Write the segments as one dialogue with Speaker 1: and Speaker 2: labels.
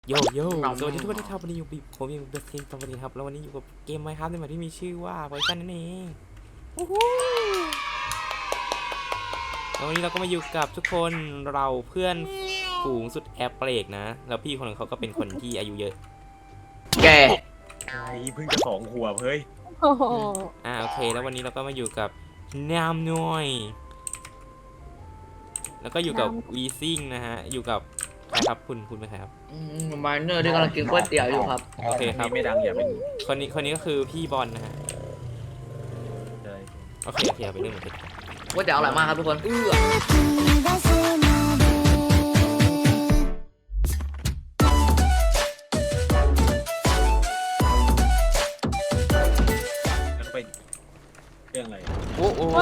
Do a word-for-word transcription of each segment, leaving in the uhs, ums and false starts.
Speaker 1: โยโย่สวัสดีทุกคนที่เข้าวันนี้อยู่ปีผมยังเบสเกมตอนนี้ครับแล้ววันนี้อยู่กับเกมไมค์ครับในหมวดที่มีชื่อว่าไวซันนั่นเองแล้ววันนี้เราก็มาอยู่กับทุกคนเราเพื่อนฝูงสุดแอบเปรกนะแล้วพี่คนนึงเขาก็เป็นคนที่อายุเยอะ
Speaker 2: แก
Speaker 3: ไอ้เพิ่งจะสองขวบเฮ้ย
Speaker 1: อ่าโอเคแล้ววันนี้เราก็มาอยู่กับนามน้อยแล้วก็อยู่กับวีซิ่งนะฮะอยู่กับใครครับคุณคุณเป็นใครครับ
Speaker 2: มาเนอร์ที่กำลังกินก๋วยเตี๋ยวอยู่ครับ
Speaker 1: โอเคครับ
Speaker 3: ไม่ดังอย่าเป็น
Speaker 1: คนนี้คนนี้ก็คือพี่บอลนะฮะโอเคโอเคไปเรื่องหมดเลย
Speaker 2: ก๋วยเตี๋ยวอร่อยมากครับทุกคนเอื้อ
Speaker 3: แล้วไปเรื่องอะไร
Speaker 1: โอ้โห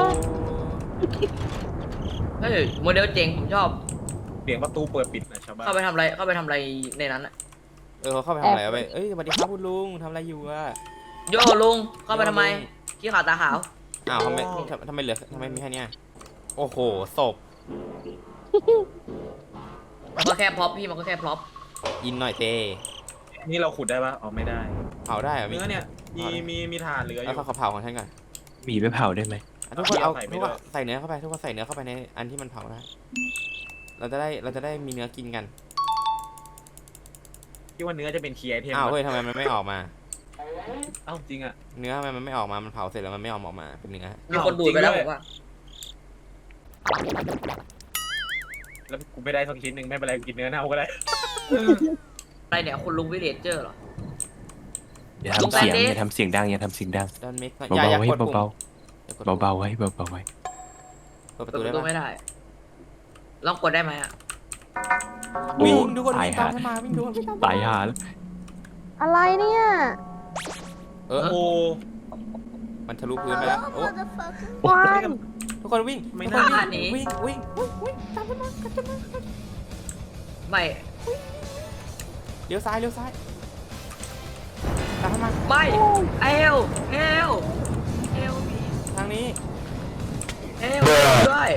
Speaker 2: เฮ้ยโมเดลเจ๋งผมชอบ
Speaker 3: เสียงประตูเปิดปิดนะชาวบ้าน
Speaker 2: เข้าไปทำอะไรเข้าไปทำอะไรในนั้นอะ
Speaker 1: เออเขาเข้าไปทำอะไรเอาไปเอ้ยสวัสดีครับคุณลุงทำอะไรอยู่อะ
Speaker 2: โย่ลุงเข้าไปทำไมขี้ขาวตาขาว
Speaker 1: อ้าวทำไมทำไมเหลือทำไมมีแค่นี้โอ้โหศพ
Speaker 2: มันก็แค่พร็อพพี่มันก็แค่พร็อพ
Speaker 1: อินหน่อยเต้
Speaker 3: นี่เราขุดได้ปะอ๋อไม่ได้
Speaker 1: เผาได้เหรอ
Speaker 3: เนื้อเนี่ยมีมีมีถ่านเหลืออยู่
Speaker 1: แล้วเขาเผาของท่านก่อน
Speaker 4: มีไปเผาได้ไหม
Speaker 1: ทุกคนเอาทุกคนใส่เนื้อเข้าไปทุกคนใส่เนื้อเข้าไปในอันที่มันเผาได้เราจะได้เราจะได้มีเนื้อกินกัน
Speaker 3: คิดว่าเนื้อจะเป็นคีย์ไอเทม
Speaker 1: อ้าวเฮ้ยทำไมมันไม่ออกมา
Speaker 3: เอ้าจริงอะ
Speaker 1: เนื้อทำไมมันไม่ออกมามันเผาเสร็จแล้วมันไม่ออกมาเป็นเนื้อ
Speaker 2: มีคนดูดไปแล้วผมว่า
Speaker 3: แล้วกูไม่ได้สักชิ้นหนึ่งไม่เป็นไรกินเนื้อเน่าก็ได้
Speaker 2: อะไรเนี่ยคุณลุงวิเลเจอร์เหรอ
Speaker 4: อย่าทำเสียงอย่าทำเสียงดังอย่าทำเสียงดัง
Speaker 1: ดอนเมก
Speaker 4: เบาๆไว้เบาๆเบาๆไว้เบาๆไว้
Speaker 1: เปิดประ
Speaker 2: เปิด
Speaker 1: ตู
Speaker 2: ประตูไม่ได้ลองกดได้ไหมอ่ะ
Speaker 1: วิ่งดูคนวิ่งตามมาวิ่งดู
Speaker 4: ตายหาแล้ว
Speaker 5: อะไรเนี่ย
Speaker 1: เออโอ้มันทะลุพื้นไปแล้วโอ้ทุกคนวิ่ง
Speaker 2: ไม่น่าหนี
Speaker 1: วิ่งวิ่งวิ่งตามมาตามมา
Speaker 2: ไม่
Speaker 1: เลี้ยวซ้ายเลี้ยวซ้ายตามมา
Speaker 2: ไม่เอลเอลเอล
Speaker 1: ทางนี้
Speaker 2: เอลด้วย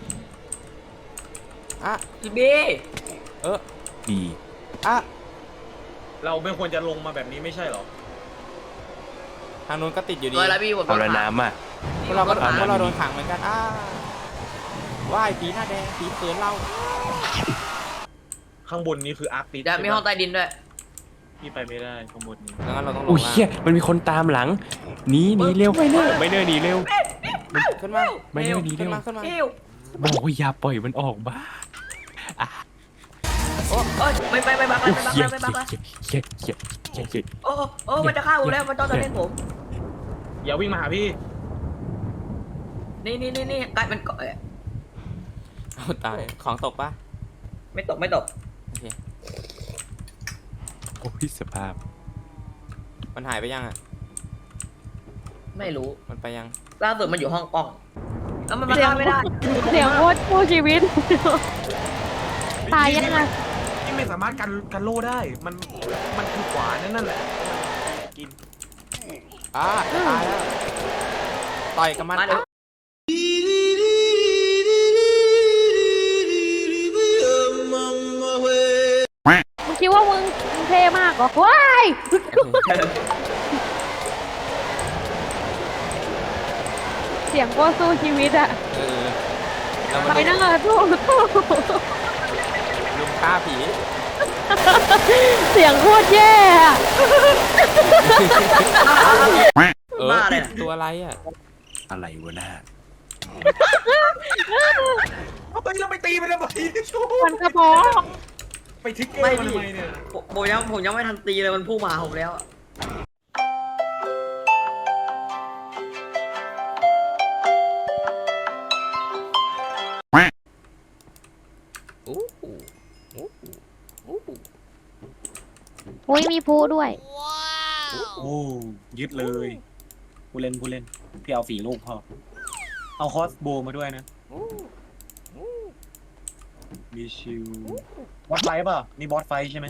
Speaker 1: อ่ะ
Speaker 2: จีบี
Speaker 1: เออ
Speaker 4: บี
Speaker 1: อ่ะ
Speaker 3: เราไม่ควรจะลงมาแบบนี้ไม่ใช่หรอ
Speaker 1: ทางโน้นก็ติดอยู่ดี
Speaker 4: เอาละน้ำอ่ะ
Speaker 1: พวกเราก็พวกเราโดนขังเหมือนกันอ้าว่ายผีหน้าแดงผีเขินเรา
Speaker 3: ข้างบนนี้คืออาร์คติด
Speaker 2: จะมีห้องใต้ดินด้วย
Speaker 3: พี่ไปไม่ได้ข้างบนนี้
Speaker 1: งั้นเราต้องลง
Speaker 4: โอ้ยเฮียมันมีคนตามหลังหนีหนีเร็วไม่เนอไม่เนอหนีเร็ว
Speaker 1: ขึ้นมา
Speaker 4: ไม่เนอหนีเร็ว
Speaker 1: ขึ้นมา
Speaker 4: บอกว่าอย่าปล่อยมันออกบ้า
Speaker 2: โอ้ยไม่ไปไม่ไปไม่ไปไม่ไปไม่ไป
Speaker 4: เฮียเฮียเฮียเฮีย
Speaker 2: โอ้โอ้มันจะฆ่าผมแล้วมันต้องจะเล่นผม
Speaker 3: อย่าวิ่งมาหาพี่
Speaker 2: นี่นี่นี่นี่กลายเป็นเกาะ
Speaker 1: เอาตายของตกปะ
Speaker 2: ไม่ตกไม่ตก
Speaker 1: โอเค
Speaker 4: โอ้ยสภาพ
Speaker 1: มันหายไปยังอ่ะ
Speaker 2: ไม่รู้
Speaker 1: มันไปยัง
Speaker 2: ล่าสุดมันอยู่ห้องกล้องแล้วมันมาฆ่าไม่ได้
Speaker 5: เสียงโคตรคู่ชีวิตตายยังไง
Speaker 3: ที่ไม่สามารถกันกันโล่ได้มันมันคือขวานั่นนั่นแหละกิน
Speaker 1: อ่าตายแล้วต่อยกับมัน
Speaker 5: มึงคิดว่ามึงเท่มากเหรอว้ายเสียงโคตรสู้ชีวิตอะไปนั่งอะสู้สู้
Speaker 1: ลุงฆ่าผี
Speaker 5: เสียงโคตรแย่
Speaker 1: เออตัวอะไรอ่ะ
Speaker 4: อะไรวะหน้า
Speaker 3: เอาไปเราไปตีมันทำไม
Speaker 5: มันกระเพาะ
Speaker 3: ไปทิกเกอร์มันทำไมเนี่ย
Speaker 2: ผมยังผมยังไม่ทันตีเลยมันพุ่งมาผมแล้ว
Speaker 5: อุ้ยมีผู้ด้วย
Speaker 3: โอ้ยึดเลยผู้เล่นผู้เล่นพี่เอาสี่ลูกพอเอาคอสโบมาด้วยนะมีชิวบอสไฟป่ะนี่บอสไฟใช่ไหม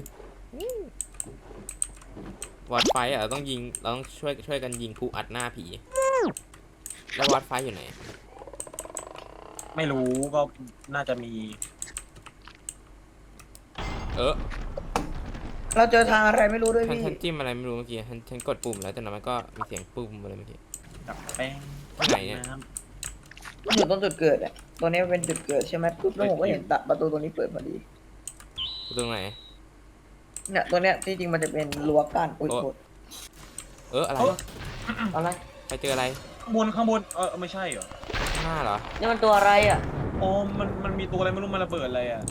Speaker 1: บอสไฟอ่ะเราต้องยิงเราต้องช่วยช่วยกันยิงผู้อัดหน้าผีแล้วบอสไฟอยู่ไหน
Speaker 3: ไม่รู้ก็น่าจะมี
Speaker 1: เออ
Speaker 2: เราเจอทางอะไรไม่รู้ด้วย
Speaker 1: ฉัน
Speaker 2: พี่
Speaker 1: ฉันจิ้มอะไรไม่รู้เมื่อกี้ฉันฉันกดปุ่มแล้วแต่นั้นมันก็มีเสียงปุ่มอะไรเมื่อกี้
Speaker 3: กับแป้ง
Speaker 1: ที่ไหนเนี่ย
Speaker 3: น้
Speaker 2: อยู่ตรงจุดเกิดอ่ะตัวนี้เป็นจุดเกิดใช่ไหมปุ๊บแล้วผมก็เห็นตัดประตูตรงนี้เปิดพอดี
Speaker 1: ตรงไหน
Speaker 2: เนี่ยตัวเนี้ยที่จริงมันจะเป็นรั้วกั้นอุ้ย
Speaker 1: โอ้
Speaker 2: โทษ
Speaker 1: เอออะไร
Speaker 2: อะไร
Speaker 1: ไปเจออะไร
Speaker 3: ำข้างบนข้างบนเออไม่ใช่เหรอ
Speaker 1: ข้างหน้าเหรอ
Speaker 2: นี่มันตัวอะไรอ่ะ
Speaker 3: โอ้มันมันมีตัวอะไรไม่รู้มันระเบิดอะไรอ่ะ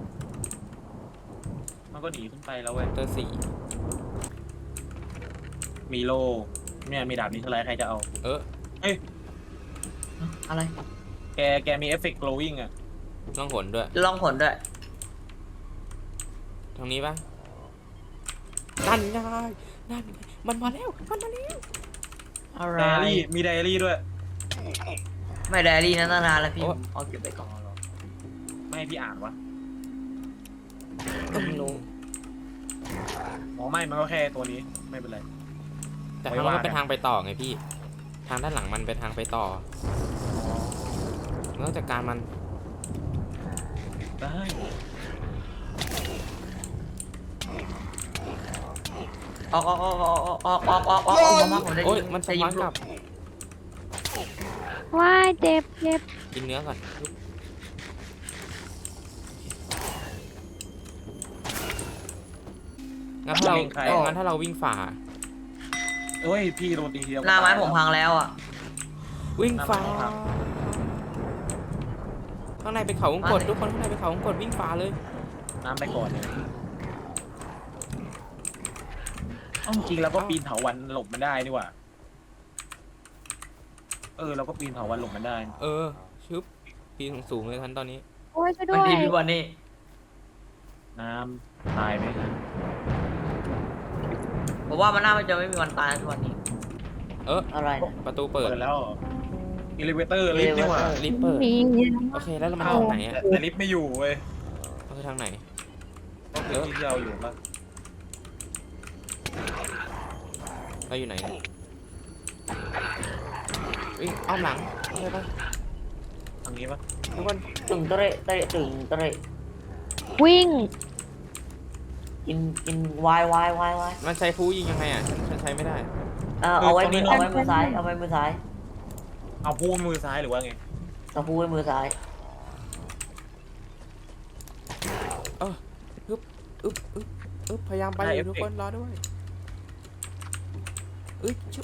Speaker 3: มันก็หนีขึ้นไปแล้วเว้ย
Speaker 1: เตอร์สี่
Speaker 3: มีโล่เนี่ยมีดาบนี้เท่าไรใครจะเอา
Speaker 1: เออ
Speaker 2: อะไร
Speaker 3: แกแกมีเอฟเฟกต์ glowing อ่ะ
Speaker 1: ต้องหนด้วย
Speaker 2: ลองผลด้วย
Speaker 1: ทางนี้ปะนั่นไงนั่นไงมันมาแล้วมันมาแล้ว
Speaker 2: อะไร
Speaker 3: ไดอารี่มีไดอารี่ด้วย
Speaker 2: ไม่ไดอารี่นะตั้งนานแล้วพี่
Speaker 1: โอ้
Speaker 2: เอาเก็บไปก่อน
Speaker 3: ไม่ให้พี่อ่านวะ
Speaker 2: ไม่รู้
Speaker 3: อ๋อไม่มันก็แค่ตัวนี้ไม่เป็นไร
Speaker 1: แต่ทางนั้นมันเป็นทางไปต่อไงพี่ ทางด้านหลังมันเป็นทางไปต่อเราต้องจัดการมัน
Speaker 3: ได้
Speaker 2: ออกออกออกออกออกออกออกออกออกมาผมจะ
Speaker 1: โอ้ย
Speaker 2: ยิง
Speaker 1: มันส
Speaker 2: จะยิ
Speaker 1: มาง ร์ทกลับ
Speaker 5: ว้ายเจ็บเจ็บ
Speaker 1: กินเนื้อก่อนงั้นถ้าเรางั้นถ้าเราวิ่งฝ่า
Speaker 3: เอ้ยพี่โดนตีทีเดียว
Speaker 2: หน้าไม้ผมพังแล้วอ่ะ
Speaker 1: วิ่งฝ่า
Speaker 3: น้ำมันครับ
Speaker 1: ข้างในเป็นเขาวงกดทุกคนข้างในเป็นเขาวงกดวิ่งฝ่าเลย
Speaker 3: น้ำไปก่อนเนี่ยเอ้าจริงๆแล้วก็ปีนเถาวันหลบมันได้นี่หว่าเออเราก็ปีนเถาวันหลบมันได้
Speaker 1: เออชึบปีนสูงๆเลยทันตอนนี้
Speaker 5: โอ้ยช่วยด้
Speaker 2: มั
Speaker 5: วน ย
Speaker 2: ดีพี่บอลนี่
Speaker 3: น้ำตายไหม
Speaker 2: ผมว่ามันน่าจะไม่มีวันตายทุกวันนี้
Speaker 1: เออ
Speaker 2: อะไร
Speaker 1: ประตูเปิ
Speaker 3: เปิ
Speaker 1: ด
Speaker 3: ดแล้วอิเลเวเตอร์ลิฟต์นี่หว่า
Speaker 1: ลิฟต์เปิด
Speaker 5: มี
Speaker 1: โอเคแล้วมัน
Speaker 3: เอ้า
Speaker 1: ทางไหนอ่ะ
Speaker 3: แต่แต่ลิฟต์ไม่อยู่เว้ย
Speaker 1: เอาไปทางไหน
Speaker 3: ก็คือที่เราอยู่ปะ
Speaker 1: เราอยู่ไหนวิ่งอ้อมหลังใช่ปะ
Speaker 3: ทางนี้ปะ
Speaker 1: ทุกคน
Speaker 2: ตึงเตะเตะตึงเตะ
Speaker 5: วิ่ง
Speaker 2: กินกินวายวายวายวาย
Speaker 1: มันใช้ฟูยิงยังไงอ่ะฉันฉันใช้ไม่ได้
Speaker 2: เออเอาไว้มือเอาไว้มือซ้ายเอาไว้มือซ้าย
Speaker 3: เอาพูมือซ้ายหรือว่าไง
Speaker 2: เอาพูไว้มือซ้าย
Speaker 1: อึ๊บอึ๊บอึ๊บพยายามไปอยู่ทุกคนรอด้วยอึ๊บชุบ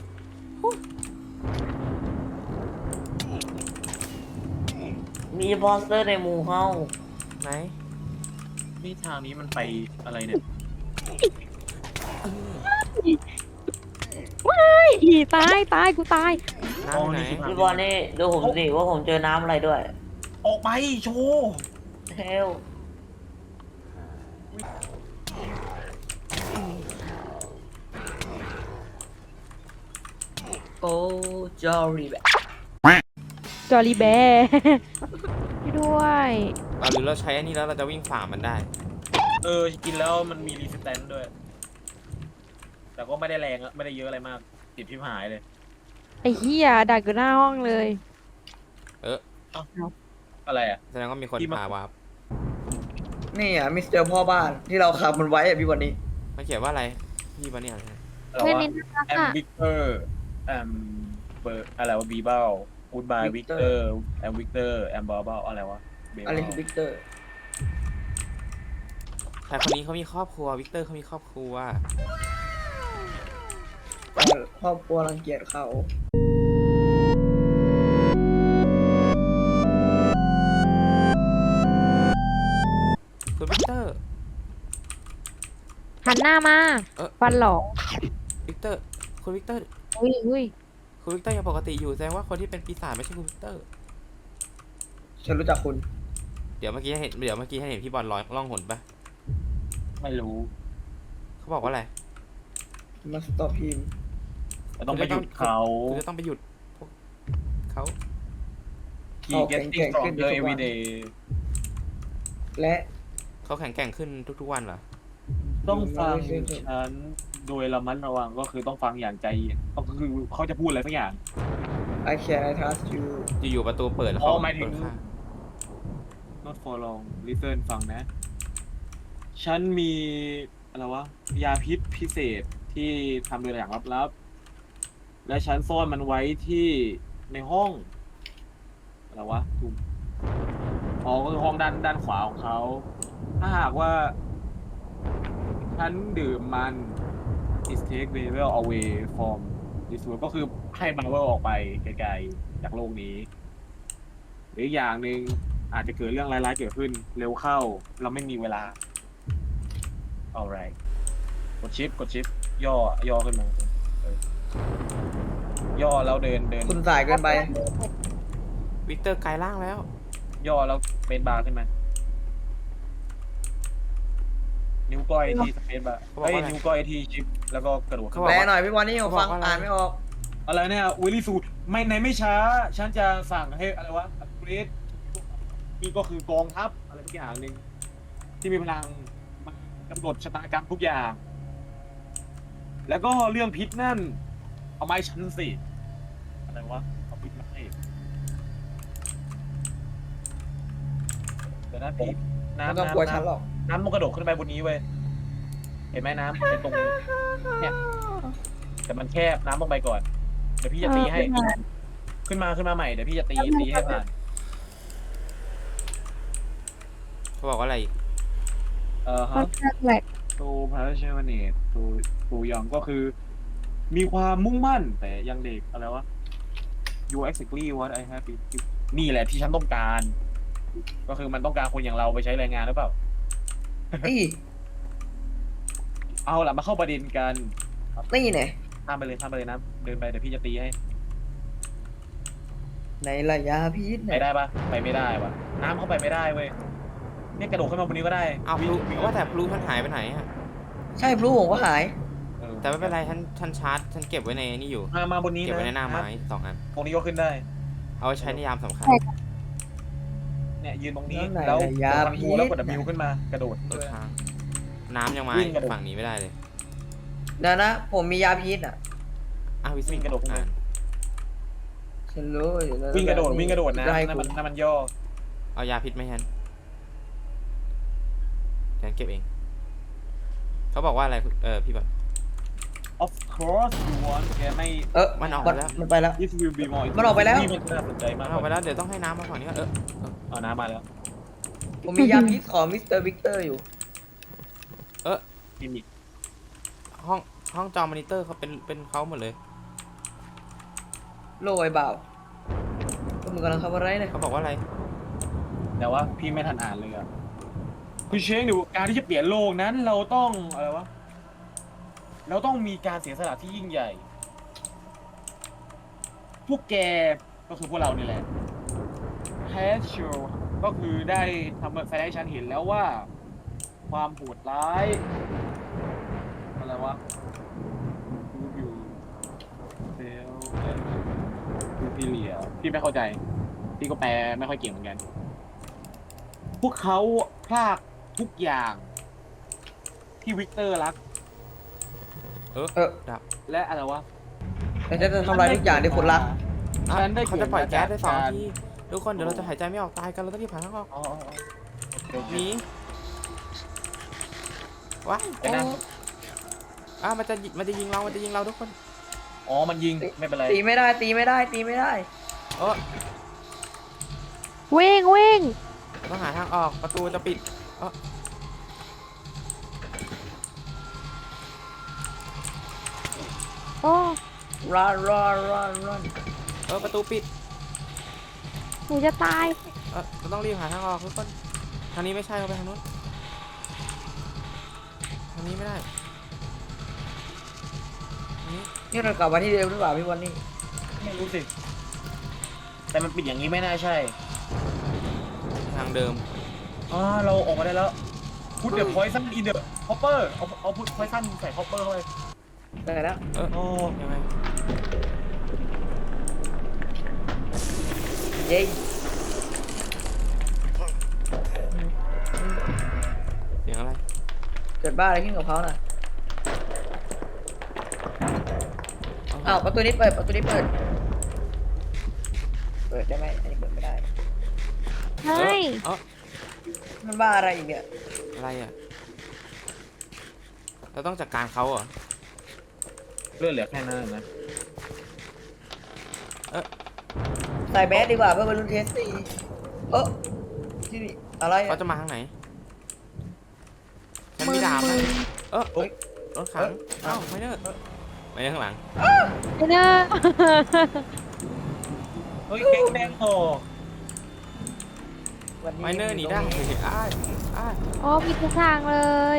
Speaker 2: มีมอนสเตอร์ในหมู่เฮา
Speaker 1: ไหน
Speaker 3: นี่ทางนี้มันไปอะไรเนี่ย
Speaker 5: ว้ายอีตายตายกูตาย
Speaker 1: น้ำอยู่ไหน
Speaker 2: พี่บอลนี่ดูผมสิว่าผมเจอน้ำอะไรด้วย
Speaker 3: ออกไปโชว์
Speaker 2: เฮลโอ้จอรี่แบบ
Speaker 5: จอรี่แบร์ช่วยด้วย
Speaker 1: เราหรือเราใช้อันนี้แล้วเราจะวิ่งฝ่ามันได้
Speaker 3: เออกินแล้วมันมีรีสแตนด้วย แต่ก็ไม่ได้แรงอะไม่ได้เยอะอะไรมากติดพิมหายเลย
Speaker 5: ไอ้เหี้ยดักอยู่หน้าห้องเลย
Speaker 3: อะไรอ่ะ
Speaker 1: แสดงว่ามีคน
Speaker 3: ที่มา
Speaker 1: พาวาร์ป
Speaker 2: นี่อ่ะมิสเตอร์พ่อบ้านที่เราขับมันไว้อ่ะพี่วันนี้
Speaker 1: มันเขียนว่าอะไรพี่บอลนี่อ่าน
Speaker 3: อะไร
Speaker 5: เพื่อน
Speaker 3: วะ
Speaker 5: นี่น่ารัก
Speaker 3: แอม
Speaker 5: อ่ะ
Speaker 3: วิกเตอร์แอมเบอร์อะไรวะบีเบลกูดบายวิกเตอร์แอมวิกเตอร์แอมบอเบลอะไรวะเบล
Speaker 2: อะไรคือวิกเตอร์
Speaker 1: แต่คนนี้เขามีครอบครัววิกเตอร์เขามีครอบครัว
Speaker 2: ครอบครัวรังเกียจเขา
Speaker 1: คุณวิกเตอร์
Speaker 5: หันหน้ามา
Speaker 1: เออ
Speaker 5: ฟันหลอก
Speaker 1: วิกเตอร์คุณวิกเตอร์
Speaker 5: อุ้ยอุ้ย
Speaker 1: คุณวิกเตอร์ยังปกติอยู่แสดงว่าคนที่เป็นปีศาจไม่ใช่คุณวิกเตอร์
Speaker 2: ฉันรู้จักคุณ
Speaker 1: เดี๋ยวเมื่อกี้ให้เห็นเดี๋ยวเมื่อกี้ให้เห็นพี่บอลร้อยล่องหนปะ
Speaker 3: ไม่รู้
Speaker 1: เขาบอกว่าอะไร
Speaker 2: มาสต็อปพิม
Speaker 3: เราต้องไปหยุดเขา
Speaker 1: คุณจะต้องไปหยุดพวกเขา
Speaker 3: ขี่ getting stronger every day
Speaker 2: และ
Speaker 1: เขาแข็งแกร่งขึ้นทุกๆวันเหรอ
Speaker 3: ต้องฟังฉันโดยระมัดระวังก็คือต้องฟังอย่างใจเย็นก็คือเขาจะพูดอะไรสักอย่าง
Speaker 2: I can I trust you
Speaker 1: อยู่ๆประตูเปิดแล้ว
Speaker 3: อ๋
Speaker 1: เขา
Speaker 3: อหมายถึง
Speaker 1: เปิดข้าง
Speaker 3: not for long listen ฟังนะ ฉันมีอะไรวะยาพิษพิเศษที่ทำโดยอย่างลับๆและฉันซ่อนมันไว้ที่ในห้องอะไรวะถูกอ๋อก็คือห้องด้านด้านขวาของเขาถ้าหากว่าฉันดื่มมัน is take Marvel away from this world ก็คือให้ Marvel ออกไปไกลๆจากโลกนี้หรืออีกอย่างหนึ่งอาจจะเกิดเรื่องร้ายๆเกิดขึ้นเร็วเข้าเราไม่มีเวลา alright กดชิปกดชิปย่อย่อขึ้นมาเออย่อแล้วเดินเดิน
Speaker 2: คุณสายเกินไป
Speaker 1: วิกเตอร์กลายร่างแล้ว
Speaker 3: ย่อแล้วสเปซบาร์ขึ้นมานิ้วก้อยที่สเปซบาร์
Speaker 1: เขาบอก
Speaker 3: เอ้ย
Speaker 1: ว่าอะไร
Speaker 3: นิ้วก้อยที่ชิปแล้วก็กระโดดขึ้น
Speaker 2: แปล
Speaker 3: มา
Speaker 2: หน่อยพี่วันนี่ผมฟัง
Speaker 1: เขาบอกว่าอะไร
Speaker 2: อ่านไม่ออก
Speaker 3: อะไรเนี่ยวิลลี่สูตรไม่ในไม่ช้า ฉันจะสั่งให้อะไรวะอัปเกรดนี่ก็คือกองทัพอะไรทุกอย่างหนึ่งที่มีพลังมากำหนดชะตากรรมทุกอย่าง แล้วก็เรื่องพิษนั่น เอาไม้ฉันสิอะไรวะเอาพิษมาให้เดี๋ยวนะพี่
Speaker 2: ไม่
Speaker 3: น้ำ
Speaker 2: ต้อง
Speaker 3: น้ำ
Speaker 2: กลัวฉันหรอก
Speaker 3: น้ำมันกระโดดขึ้นไปบนนี้เว้ยเห็นไหมน้ำเป็นตรงเนี่ยแต่มันแคบน้ำลงไปก่อนเดี๋ยวพี่จะตีให้ ขึ้นมาขึ้นมาใหม่เดี๋ยวพี่จะตีตีให้ผ่าน
Speaker 1: เขาบอกว่าอะไรอีก
Speaker 3: เอ่อ
Speaker 5: ค่อ
Speaker 3: ฮะ
Speaker 5: นข้างแหลก
Speaker 3: ตัวพาราเชวเนตตัวตัวยองก็คือ มีความมุ่งมั่นแต่ยังเด็กอะไรวะ you exactly what I have been นี่แหละที่ฉันต้องการ ก็คือมันต้องการคนอย่างเราไปใช้แรงงานหรือเปล่า
Speaker 2: นี่
Speaker 3: เอาล่ะมาเข้าประเด็นกัน
Speaker 2: นี่เนี่ย
Speaker 3: ข้ามไปเลยข้ามไปเลยนะเดินไปเดี๋ยวพี่จะตีให้
Speaker 2: ในระยะพิษ
Speaker 3: ไป
Speaker 2: เนี่ย
Speaker 3: ได้ปะไปไม่ได้วะน้ำเข้าไปไม่ได้เว้ยเนี่ยกระโดดขึ้นมาบนนี้ก็ได้
Speaker 1: เอาพลูว่าแต่พลูท่านหายไปไหนอะ
Speaker 2: ใช่พลูผมก็หาย
Speaker 3: เออ
Speaker 1: แต่ไม่เป็นไรท่านท่านชาร์จท่านเก็บไว้ในนี่อยู่
Speaker 3: มามาบนนี้
Speaker 1: เก็บ
Speaker 3: นะ
Speaker 1: ไว้ในหน้าไม้สองอัน
Speaker 3: ตรงนี้ก็ขึ้นได้
Speaker 1: เอาไว้ใช้ในยามสำคัญ
Speaker 3: เนี่ยยืนตรงนี้
Speaker 2: แล้วไหน
Speaker 3: แล้ว
Speaker 2: ระยะ
Speaker 3: กดคอนโทรลแล้วกด
Speaker 2: พิษ
Speaker 3: W ขึ้นมากระโดด
Speaker 1: เออค้างน้ำยังมา
Speaker 3: วิ่งกระโดด
Speaker 1: ฝั่งนี้ไม่ได้เลย
Speaker 2: เดี๋ยวนะ ผมมียาพิษอ่ะ
Speaker 1: อ้าววิส
Speaker 3: วิ่งกระโดดขึ้นไป
Speaker 1: อ่าน
Speaker 2: ฉันรู้อยู่แล้ว
Speaker 3: วิ่งกระโดดวิ่งกระโดดนะ
Speaker 2: ได้
Speaker 3: นั่น
Speaker 2: คุ
Speaker 3: มัน
Speaker 2: ณ
Speaker 3: นั่นมันย่อ
Speaker 1: เอายาพิษไหมฉันฉันเก็บเอง เขาบอกว่าอะไรเออพี่แบบ
Speaker 3: of course you want แกไม่
Speaker 2: เออ
Speaker 1: มันออกไปแล้ว
Speaker 2: มันไปแล้ว
Speaker 3: this will be more
Speaker 2: มันออกไปแล้ว
Speaker 3: นี่มันน่าสนใจมาก
Speaker 1: เอาไปแล้วเดี๋ยวต้องให้น้ำมาฝั่งนี้ก่อนเออ
Speaker 3: เอาน้ำมาแล้ว
Speaker 2: ผมมียาพิษของมิสเตอร์วิกเตอร์อยู่
Speaker 3: กิมมิค
Speaker 1: ห้องห้องจอมอนิเตอร์เขาเป็นเป็นเขาหมดเลย
Speaker 2: โลไอ้บ่าวก็มึงกำลังทำอะไรเนี่ย
Speaker 1: เขาบอกว่าอะไร
Speaker 3: แต่ว่าพี่ไม่ทันอ่านเลยอะคือเชงดูการที่จะเปลี่ยนโลกนั้นเราต้องอะไรวะเราต้องมีการเสียสละที่ยิ่งใหญ่ พวกแกก็คือพวกเรานี่แหละแฮชโชก็คือได้ทำแสดงให้ฉันเห็นแล้วว่า ความโหดร้ายอะไรวะดูอยู่เซลดูพี่เลียพี่ไม่เข้าใจ พี่ก็แปลไม่ค่อยเก่งเหมือนกัน พวกเขาพลากทุกอย่าง ที่วิกเตอร์รัก
Speaker 1: เออ
Speaker 2: เออ
Speaker 1: ดับ
Speaker 3: และอะไรวะ
Speaker 2: แต่จะทำลายทุกอย่างที่คุณรัก
Speaker 1: อ่ะ
Speaker 3: ฉันได้
Speaker 1: เขาจะปล่อยแก๊สได้สอง
Speaker 3: กร
Speaker 1: นาทีทุกคนเดี๋ยวเราจะหายใจไม่ออกตายกันเราต้องรีบหาทางออก
Speaker 3: อ๋ออ๋ออ๋อ
Speaker 1: หนีว้าย
Speaker 3: ไปนั่ง
Speaker 1: อ่ะมันจะยิมันจะยิงเรา มันจะยิงเราทุกคน
Speaker 3: อ๋อ มันยิง ไม่เป็นไร
Speaker 2: ตีไม่ได้ตีไม่ได้ตีไม่ได้
Speaker 1: เออ
Speaker 5: วิ่งวิ่ง
Speaker 1: ต้องหาทางออกประตูจะปิดเออ
Speaker 5: โอ้
Speaker 2: run run run run
Speaker 1: เออประตูปิด
Speaker 5: หนูจะตาย
Speaker 1: เออเราต้องรีบหาทางออกทุกคนทางนี้ไม่ใช่เราไปทางนู้นทางนี้ไม่ได้ทางนี้
Speaker 2: นี่เรากลับมาที่เดิมหรือเปล่าพี่วันนี่
Speaker 3: ไม่รู้สิ แต่มันปิดอย่างนี้ไม่น่าใช่
Speaker 1: ทางเดิม
Speaker 3: อ๋อ เราออกมาได้แล้ว พุทเดอะพอยซันอินเดอะฮอปเปอร์ เอาเอาพุทพอยซันใส่ฮอปเปอร์เข้าไป
Speaker 2: ได้แล้ว
Speaker 1: เออ
Speaker 3: โอ้
Speaker 1: ยังไง
Speaker 2: เย้
Speaker 1: เสียงอะไร
Speaker 2: เกิดบ้าอะไรขึ้นกับเขาน่ะอ้าวประตูนี้เปิดประตูนี้เปิดเปิดได้ไหมอันนี้เปิดไม่ได้
Speaker 5: ใช่
Speaker 1: เออ
Speaker 2: มันบ้าอะไรอีกเนี่ย
Speaker 1: อะไรอ่ะเราต้องจัดการเขาเหรอ
Speaker 3: เลือดเหลือแค่นั้นนะ
Speaker 2: ใส่แมสดีกว่าเพื่อเป็นรุ่นเทสตีเออที่นี่อะไร
Speaker 1: เขา
Speaker 2: อะ
Speaker 1: จะมาทางไหนฉันมีดาบนะเออ
Speaker 2: เฮ้ย
Speaker 1: รถขังเอ้าไม่เนอร์ไม่เนอร์ข้างหลัง
Speaker 5: ไอ้เนอร์
Speaker 3: เฮ้ยแก๊งแดงโต
Speaker 2: วัน
Speaker 1: ไม่เนอร์หนีได้อ้ายอ้าย
Speaker 5: โอ้มีทุกทางเลย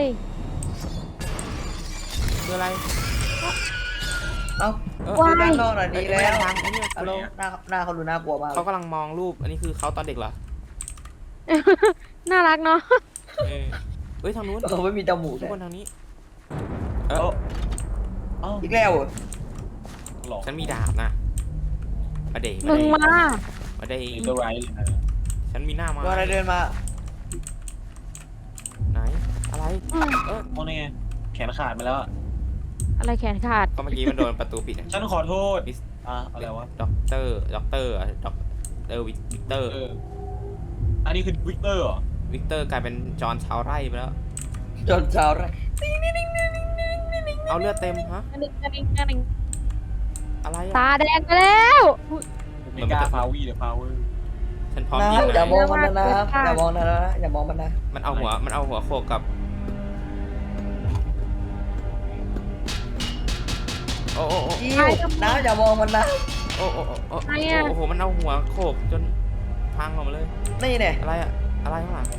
Speaker 1: คืออะไร
Speaker 2: เอ้า
Speaker 1: เออ
Speaker 2: ดูด้านนอกหน่อยดีแล้ว
Speaker 1: ทางไอ้เนี่ย
Speaker 2: ฮัลโหลหน้าหน้าเขาดูน่ากลัวมาก
Speaker 1: เขากำลังมองรูป อันนี้คือเขาตอนเด็กเหรอ
Speaker 5: น่ารักเนาะ
Speaker 1: เออเฮ้ยทางนู้น
Speaker 2: เขาไม่มีจมูก
Speaker 1: ทุก
Speaker 2: เลย
Speaker 1: คนทางนี้
Speaker 3: เอ้าเอ้า
Speaker 2: อีกแล้วเหรอ
Speaker 3: หลอก
Speaker 1: ฉันมีดาบนะมาเดย์
Speaker 5: มึงมา
Speaker 1: มาเดย์
Speaker 3: มีตัวไรเลยนะ
Speaker 1: ฉันมีหน้ามา
Speaker 2: ตัวอะไรเดินมา
Speaker 1: ไหน อะไร
Speaker 5: อืม
Speaker 1: เออ
Speaker 3: โอ้นี่ไงแขนขาดไปแล้วอะ
Speaker 5: อะไรแขนขาด
Speaker 1: ก็เมื่อกี้มันโดนประตูปิดอะ
Speaker 3: ฉันขอโทษ
Speaker 1: มิส
Speaker 3: อ่ะอะไรวะ
Speaker 1: ด็อกเตอร์ ด็อกเตอร์อะด็อกเตอร์วิกเตอร์
Speaker 3: เอออันนี้คือวิกเตอร์เหรอ
Speaker 1: วิกเตอร์กลายเป็นจอห์นชาวไร่ไปแล้ว
Speaker 2: จนเช้าไร
Speaker 1: เอาเลือดเต็มฮะ
Speaker 5: อันนี้อันนี้อันนี้
Speaker 1: อะไร
Speaker 5: ตา
Speaker 1: อะ
Speaker 5: แดงไปแล้ว
Speaker 3: ไม่กล้าฟาวีหรือฟาเวอร์
Speaker 1: ฉันพร้อม
Speaker 2: นะ
Speaker 1: ยิง
Speaker 2: อย่า
Speaker 1: นะ
Speaker 2: มองมันนะนะอย่ามองนะนะอย่ามองมันนะ
Speaker 1: มันเอาหัว มันเอาหัวโขกกับ โอ้โอ้โอ้
Speaker 2: จิ้วนะอย่ามองมันนะ
Speaker 1: โอ้โอ้โอ้โอ้
Speaker 5: อะไรอะ
Speaker 1: โอ้โห มันเอาหัวโขกจนพังออกมาเลย
Speaker 2: นี่เนี่ย
Speaker 1: อะไรอะอะไรข้างหลัง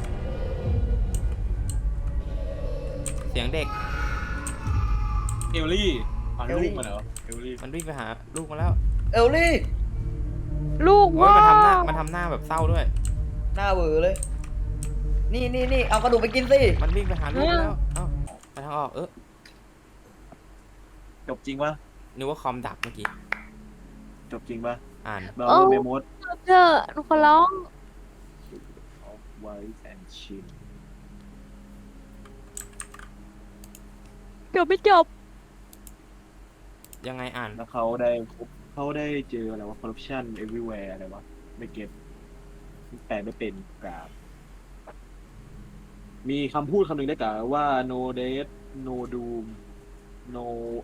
Speaker 1: เสียงเด็ก
Speaker 3: เอลลี่อ่านลูกมันเหรอเอลลี่
Speaker 1: มันวิ่งไปหาลูกมาแล้ว
Speaker 2: เอลลี่
Speaker 5: ลูก
Speaker 1: โอ้ย
Speaker 5: ว่า
Speaker 1: มันทำหน้า มันทำหน้าแบบเศร้าด้วย
Speaker 2: หน้าเวอเลย นี่นี่นี่เอากระดูกไปกินสิ
Speaker 1: มันวิ่งไปหาลูกแล้ว เอ้าไปทางออก เออ
Speaker 3: จบจริงปะ
Speaker 1: นึกว่าคอมดับเมื่อกี้
Speaker 3: จบจริงปะ
Speaker 1: อ่าน
Speaker 3: เราเมมโมด
Speaker 5: เจอหนูขอร้อง
Speaker 3: ไวท์แอนชิน
Speaker 5: เกือบไม่จบ
Speaker 1: ยังไงอ่าน
Speaker 3: แล้วเขาได้พบเขาได้เจออะไรวะ corruption everywhere อะไรวะ ไม่เก็ตแปลไม่เป็นกราบ มีคำพูดคำหนึ่งได้กล่าวว่า no death no doom no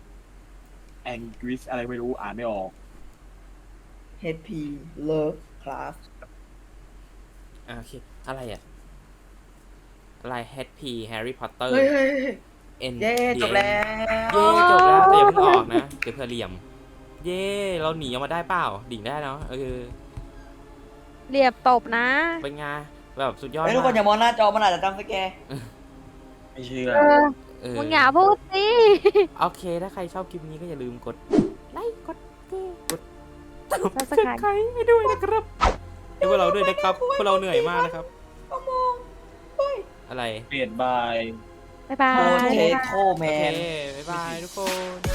Speaker 3: anguish อะไรไม่รู้อ่านไม่ออก
Speaker 2: เฮดพีเลิฟคลาส
Speaker 1: อ่าโอเค อะไรอ่ะ อะไร เอช พี Harry Potter
Speaker 2: เฮ้ยเฮ้ยเฮ้ย
Speaker 1: N
Speaker 2: เย้จบแล้ว
Speaker 1: เย้จบแล้วแต่อย่าเพิ่งออกนะ เดี๋ยวเพื่อเหลี่ยม เย้เราหนีออกมาได้เปล่า ดิ่งได้เนาะเออ
Speaker 5: เรียบตบนะ
Speaker 1: เป็นไงแบบสุดยอด
Speaker 2: เฮ้ยทุกคน
Speaker 1: มา
Speaker 2: อย่ามองหน้าจอมันอาจจะจำสแกร์
Speaker 3: ไม่เชื่อ
Speaker 5: เออ
Speaker 1: เออ
Speaker 5: มึงอย่าพูดสิ
Speaker 1: โอเค ถ้าใครชอบคลิปนี้ก็อย่าลืมกดไลค์ กดแชร์กด
Speaker 5: Subscribe
Speaker 1: ใครให้ด้วยนะครับให้พวกเราด้วยนะครับ พวกเราเหนื่อยมากนะครับ
Speaker 2: ก็มองเฮ้ย
Speaker 1: อะไร
Speaker 3: เปลี่ยนบาย
Speaker 5: บ๊ายบา
Speaker 2: โค
Speaker 5: ย
Speaker 2: เทโคแม
Speaker 1: โอเคน บ๊ายบายทุกคน